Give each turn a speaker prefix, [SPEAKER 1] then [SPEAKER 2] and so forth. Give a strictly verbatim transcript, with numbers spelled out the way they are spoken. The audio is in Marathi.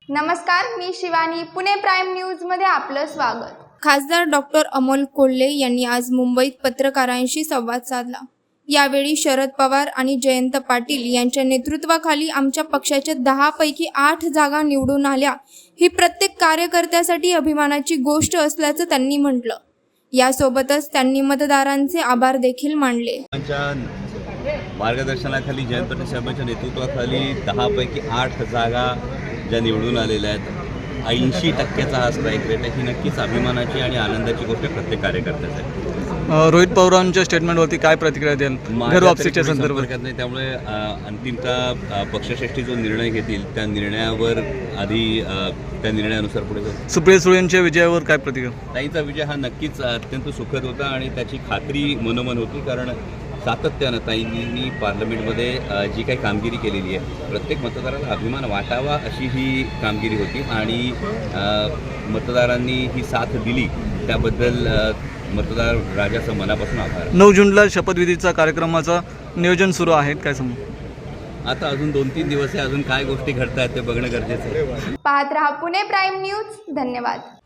[SPEAKER 1] नमस्कार, मी शिवानी. पुणे प्राईम न्यूजमध्ये आपलं स्वागत.
[SPEAKER 2] खासदार डॉक्टर अमोल कोल्हे यांनी आज मुंबईत पत्रकारांशी संवाद साधला. यावेळी शरद पवार आणि जयंत पाटील यांच्या नेतृत्वाखाली आमच्या पक्षाच्या दहा पैकी आठ जागा निवडून आल्या ही प्रत्येक कार्यकर्त्यासाठी अभिमानाची गोष्ट असल्याचं त्यांनी म्हटलं. यासोबतच त्यांनी मतदारांचे आभार देखील मानले.
[SPEAKER 3] मार्गदर्शनाखाली जयंत पाटील साहेबांच्या नेतृत्वाखाली दहा पैकी आठ जागा ज्या निवडून आलेल्या आहेत, ऐंशी टक्क्याचा हा स्ट्राईक रेट आहे. ही नक्कीच अभिमानाची आणि आनंदाची गोष्ट प्रत्येक कार्यकर्त्यासाठी.
[SPEAKER 4] रोहित पवारांच्या स्टेटमेंटवरती काय प्रतिक्रिया द्याल घरवापसीच्या संदर्भात?
[SPEAKER 3] नाही, त्यामुळे अंतिमतः पक्षश्रेष्ठी जो निर्णय घेतील त्या निर्णयावर आधी त्या निर्णयानुसार पुढे जाऊ.
[SPEAKER 4] सुप्रिया सुळेंच्या विजयावर काय प्रतिक्रिया?
[SPEAKER 3] ताईंचा विजय हा नक्कीच अत्यंत सुखद होता आणि त्याची खात्री मनोमन होती, कारण सातत्यानं ताईंनी पार्लमेंटमध्ये जी काही कामगिरी केलेली आहे प्रत्येक मतदाराला अभिमान वाटावा अशी ही कामगिरी होती आणि मतदारांनी ही साथ दिली त्याबद्दल मतदार राजाचं मनापासून आभार.
[SPEAKER 4] नऊ जूनला शपथविधीचा कार्यक्रमाचं नियोजन सुरू आहे, काय सांगू?
[SPEAKER 3] आता अजून दोन तीन दिवस आहे, अजून काय गोष्टी घडत आहेत ते बघणं गरजेचं आहे.
[SPEAKER 1] पाहत रहा पुणे प्राईम न्यूज. धन्यवाद.